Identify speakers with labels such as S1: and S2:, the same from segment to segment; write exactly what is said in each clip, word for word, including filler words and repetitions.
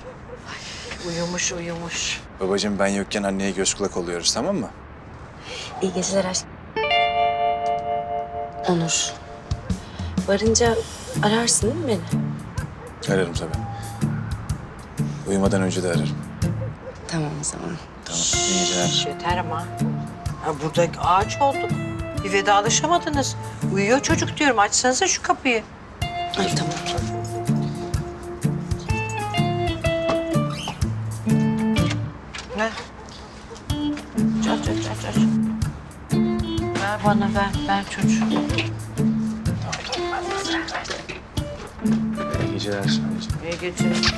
S1: Uyumuş uyumuş.
S2: Babacığım ben yokken anneye göz kulak oluyoruz, tamam mı?
S3: İyi geceler aşkım. Onur. Varınca ararsın değil mi beni?
S2: Ararım tabii. Uyumadan önce de ararım.
S3: Tamam o zaman.
S2: Tamam, iyi geceler.
S1: Yeter ama. Ha, burada ağaç olduk. Bir vedalaşamadınız. Uyuyor çocuk diyorum. Açsanıza şu kapıyı.
S3: Ay tamam.
S1: Ne? Aç aç aç aç. Ver bana ver. Ver çocuğu.
S2: İyi geceler anneciğim.
S1: İyi geceler.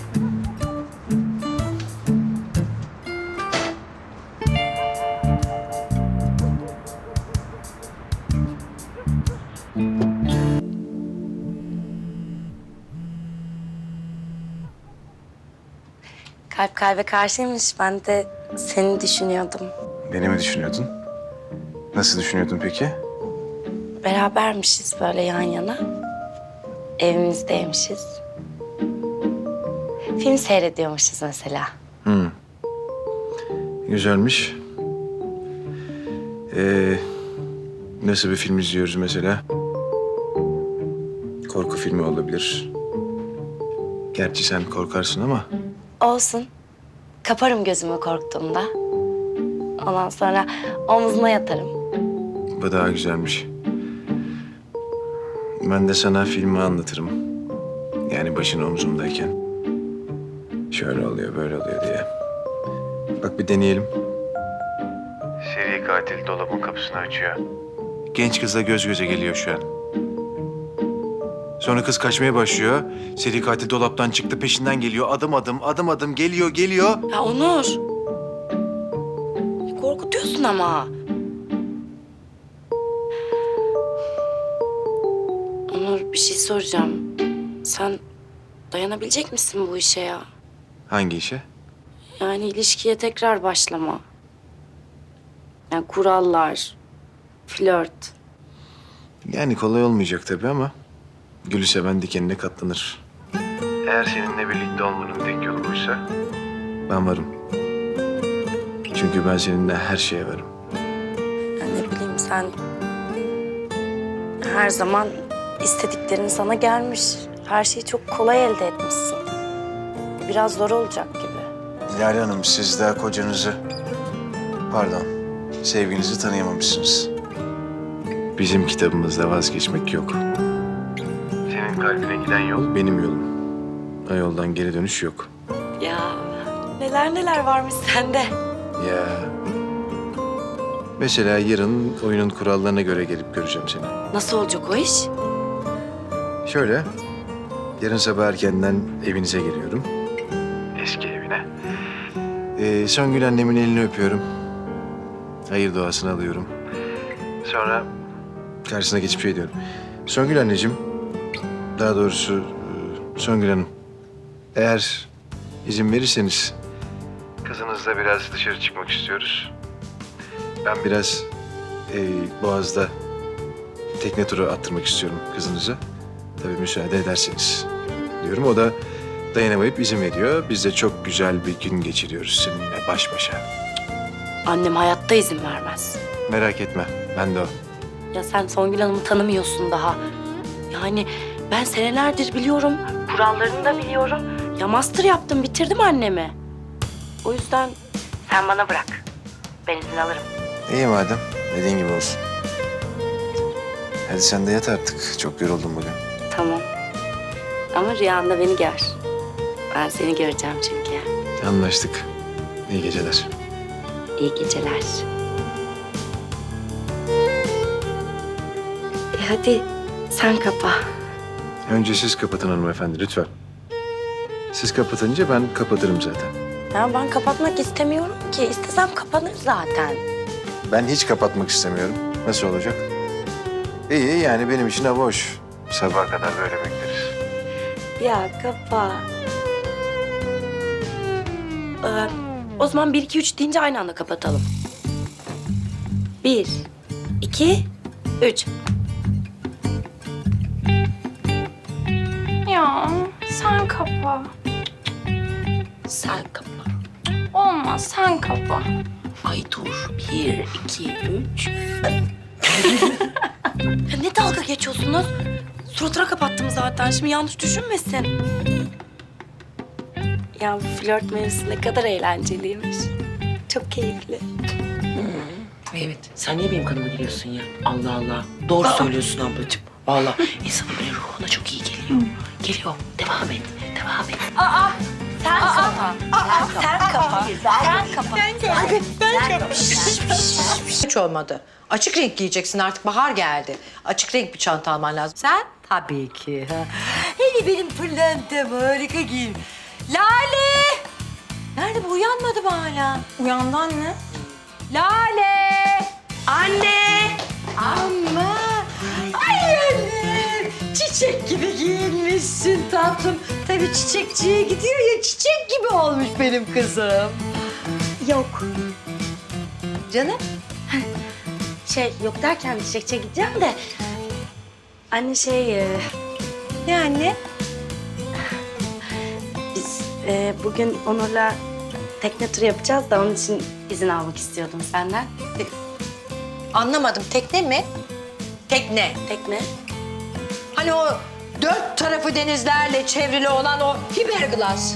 S3: Kalp kalbe karşıymış. Ben de seni düşünüyordum.
S2: Beni mi düşünüyordun? Nasıl düşünüyordun peki?
S3: Berabermişiz böyle yan yana. Evimizdeymişiz. Film seyrediyormuşuz mesela.
S2: Hı. Güzelmiş. Ee, nasıl bir film izliyoruz mesela? Korku filmi olabilir. Gerçi sen korkarsın ama
S3: Olsun. Kaparım gözümü korktuğumda. Ondan sonra omzuna yatarım.
S2: bu daha güzelmiş. Ben de sana filmi anlatırım. Yani başın omzumdayken. Şöyle oluyor, böyle oluyor diye. Bak bir deneyelim. Seri katil dolabın kapısını açıyor. Genç kızla göz göze geliyor şu an. Sonra kız kaçmaya başlıyor. Seri katil dolaptan çıktı, peşinden geliyor. Adım adım, adım adım geliyor, geliyor.
S3: Ya Onur. Korkutuyorsun ama. Onur bir şey soracağım. Sen dayanabilecek misin bu işe ya?
S2: Hangi işe?
S3: Yani ilişkiye tekrar başlama. Yani kurallar, flört.
S2: Yani kolay olmayacak tabii ama gülü seven dikenine katlanır. Eğer seninle birlikte olmanın tek yolu buysa ben varım. Çünkü ben seninle her şeye varım.
S3: Yani ne bileyim sen her zaman istediklerin sana gelmiş. Her şeyi çok kolay elde etmişsin. Biraz zor olacak gibi.
S2: Lale Hanım, siz daha kocanızı, pardon, sevginizi tanıyamamışsınız. Bizim kitabımızda vazgeçmek yok. Senin kalbine giden yol benim yolum. O yoldan geri dönüş yok.
S3: Ya neler neler varmış sende.
S2: Ya. Mesela yarın oyunun kurallarına göre gelip göreceğim seni.
S3: Nasıl olacak o iş?
S2: Şöyle, yarın sabah erkenden evinize geliyorum. Eski evine. Ee, Songül annemin elini öpüyorum. Hayır duasını alıyorum. Sonra karşısına geçip şey diyorum. Songül anneciğim, daha doğrusu e, Songül Hanım, eğer izin verirseniz kızınızla biraz dışarı çıkmak istiyoruz. Ben biraz e, Boğaz'da tekne turu attırmak istiyorum kızınıza. Tabii müsaade ederseniz diyorum. O da dayanamayıp izin veriyor. Biz de çok güzel bir gün geçiriyoruz seninle baş başa.
S3: Annem hayatta izin vermez.
S2: Merak etme, ben de o.
S3: Ya sen Songül Hanım'ı tanımıyorsun daha. Yani ben senelerdir biliyorum, kurallarını da biliyorum. Ya master yaptım, bitirdim annemi. O yüzden sen bana bırak. Ben izin alırım.
S2: İyi madem, dediğin gibi olsun. Hadi sen de yat artık. Çok yoruldum bugün.
S3: Tamam. Ama rüyanda beni gör. Ben seni göreceğim çünkü.
S2: Anlaştık. İyi geceler.
S3: İyi geceler. E hadi sen kapa.
S2: Önce siz kapatın hanımefendi lütfen. Siz kapatınca ben kapatırım zaten.
S3: Ya ben kapatmak istemiyorum ki. İstesem kapanır zaten.
S2: Ben hiç kapatmak istemiyorum. Nasıl olacak? İyi yani benim için hava hoş. Sabaha kadar böyle bekleriz.
S3: Ya kapa. Ee, o zaman bir, iki, üç deyince aynı anda kapatalım. Bir, iki, üç.
S4: Ya sen kapa.
S3: sen kapa.
S4: Olmaz, sen kapa.
S3: Ay dur. Bir, iki, üç. Ya ne dalga geçiyorsunuz? Suratına kapattım zaten. Şimdi yanlış düşünmesin. Ya bu flört mevzusu ne kadar eğlenceliymiş. Çok keyifli.
S5: Evet. Sen niye benim kanıma giriyorsun ya? Allah Allah. Doğru söylüyorsun ablacığım. Vallahi insanın böyle ruhuna çok iyi geliyor. Geliyor. Devam et. Devam et.
S3: Sen kapa. Sen kapa. Sen kapa.
S1: Hiç olmadı. Açık renk giyeceksin artık, bahar geldi. Açık renk bir çanta alman lazım. Sen? Tabii ki. Ha. Hele benim pırlantem harika giyim. Lale! Nerede bu? Uyanmadı mı hala?
S4: Uyandı anne.
S1: Lale!
S3: Anne!
S1: Ama! Ay anne! Çiçek gibi giyinmişsin tatlım. Tabii çiçekçiye gidiyor ya, çiçek gibi olmuş benim kızım.
S3: Yok.
S1: Canım?
S3: Şey yok derken çiçekçiye gideceğim de. Anne şey... e,
S1: Ne anne?
S3: Biz e, bugün Onur'la tekne turu yapacağız da onun için izin almak istiyordum senden.
S1: Anlamadım. Tekne mi? Tekne.
S3: Tekne?
S1: Hani o dört tarafı denizlerle çevrili olan o fiberglass.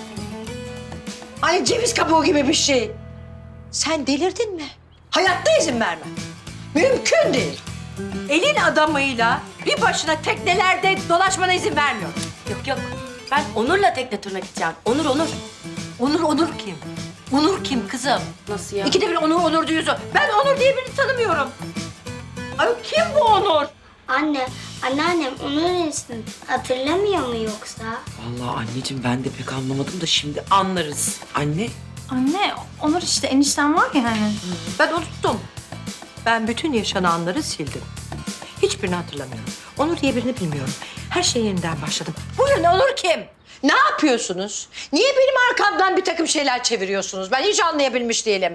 S1: Ay ceviz kabuğu gibi bir şey. Sen delirdin mi? Hayatta izin vermem. Mümkün değil. Elin adamıyla bir başına teknelerde dolaşmana izin vermiyorum.
S3: Yok yok. Ben Onur'la tekne turuna gideceğim. Onur Onur.
S1: Onur, Onur kim? Onur kim kızım?
S3: Nasıl ya?
S1: İkide bir Onur, Onur diyorsun. Ben Onur diye birini tanımıyorum. Ay kim bu Onur?
S6: Anne, anneannem onun ismini hatırlamıyor mu yoksa?
S5: Vallahi anneciğim ben de pek anlamadım da şimdi anlarız. Anne.
S4: Anne, Onur işte enişten var ya hani.
S1: Ben unuttum. Ben bütün yaşananları sildim. Hiçbirini hatırlamıyorum. Onur diye birini bilmiyorum. Her şey yeniden başladım. Buyurun, Onur kim? Ne yapıyorsunuz? Niye benim arkamdan bir takım şeyler çeviriyorsunuz? Ben hiç anlayabilmiş değilim.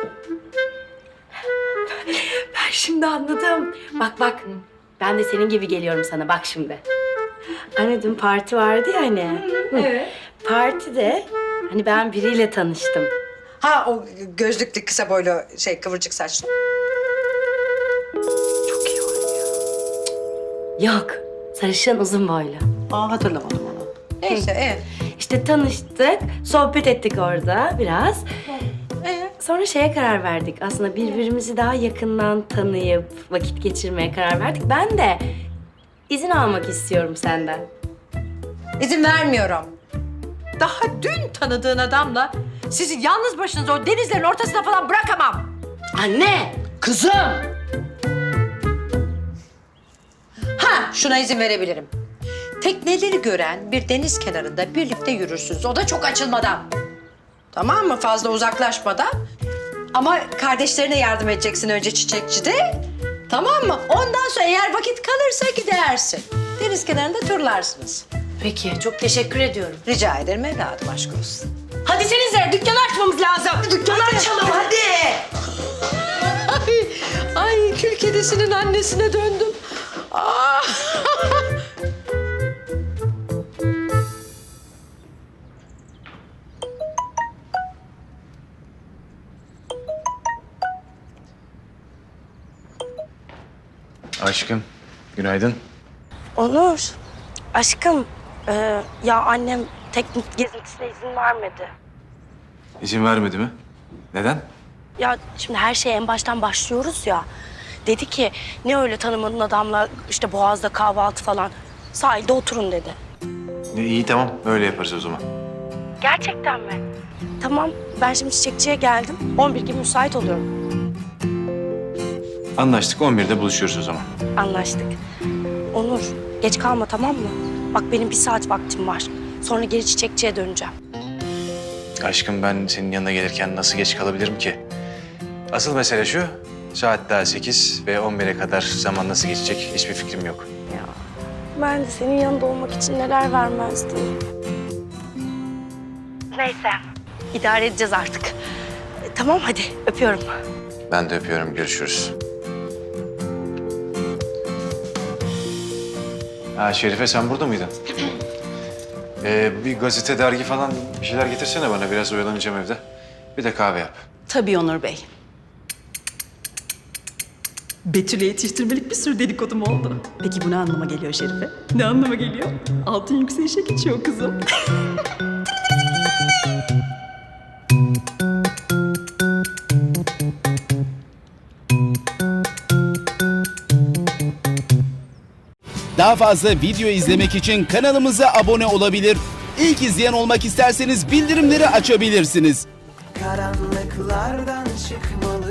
S3: Ben şimdi anladım. Bak bak. Ben de senin gibi geliyorum sana. Bak şimdi. Anne dün parti vardı ya hani. Evet. Partide hani ben biriyle tanıştım.
S1: Ha o gözlüklü kısa boylu şey kıvırcık saçlı.
S3: Çok iyi oynuyor. Yok. Sarışın uzun boylu.
S1: Aa hatırlamadım onu. Neyse evet.
S3: İşte tanıştık, sohbet ettik orada biraz.
S1: Ee?
S3: Sonra şeye karar verdik. Aslında birbirimizi daha yakından tanıyıp vakit geçirmeye karar verdik. Ben de izin almak istiyorum senden.
S1: İzin vermiyorum. Daha dün tanıdığın adamla sizi yalnız başınıza o denizlerin ortasına falan bırakamam.
S3: Anne!
S1: Kızım! Ha, şuna izin verebilirim. Tekneleri gören bir deniz kenarında birlikte yürürsünüz. O da çok açılmadan. Tamam mı? Fazla uzaklaşmadan. Ama kardeşlerine yardım edeceksin önce çiçekçide. Tamam mı? Ondan sonra eğer vakit kalırsa gidersin. Deniz kenarında turlarsınız.
S3: Peki, çok teşekkür ediyorum.
S1: Rica ederim evladım, aşk olsun.
S3: Hadi senize dükkanı açmamız lazım.
S1: Dükkanı açalım hadi. Ay, ay kül kedisinin annesine döndüm. Aa.
S2: Aşkım, günaydın.
S3: Onur, aşkım. e, ya annem teknik gezintisine izin vermedi.
S2: İzin vermedi mi? Neden?
S3: Ya şimdi her şeye en baştan başlıyoruz ya. Dedi ki ne öyle tanımadığın adamla işte Boğaz'da kahvaltı falan. Sahilde oturun dedi.
S2: E, iyi tamam, öyle yaparız o zaman.
S3: Gerçekten mi? Tamam, ben şimdi çiçekçiye geldim. on bir gibi müsait oluyorum.
S2: Anlaştık, on birde buluşuyoruz o zaman.
S3: Anlaştık. Onur, geç kalma tamam mı? Bak benim bir saat vaktim var. Sonra geri çiçekçiye döneceğim.
S2: Aşkım ben senin yanına gelirken nasıl geç kalabilirim ki? Asıl mesele şu, saat daha sekiz ve on bire kadar zaman nasıl geçecek hiçbir fikrim yok.
S3: Ya ben de senin yanında olmak için neler vermezdim. Neyse. İdare edeceğiz artık. E, tamam hadi öpüyorum.
S2: Ben de öpüyorum, görüşürüz. Ha Şerife sen burada mıydın? Ee, bir gazete, dergi falan bir şeyler getirsene bana. Biraz oyalanacağım evde. Bir de kahve yap.
S7: Tabii Onur Bey. Betül'e yetiştirmelik bir sürü dedikodum oldu. Peki bu ne anlama geliyor Şerife? Ne anlama geliyor? Altın yükselişe geçiyor kızım.
S8: Daha fazla video izlemek için kanalımıza abone olabilir. İlk izleyen olmak isterseniz bildirimleri açabilirsiniz.
S9: Karanlıklardan çıkmalı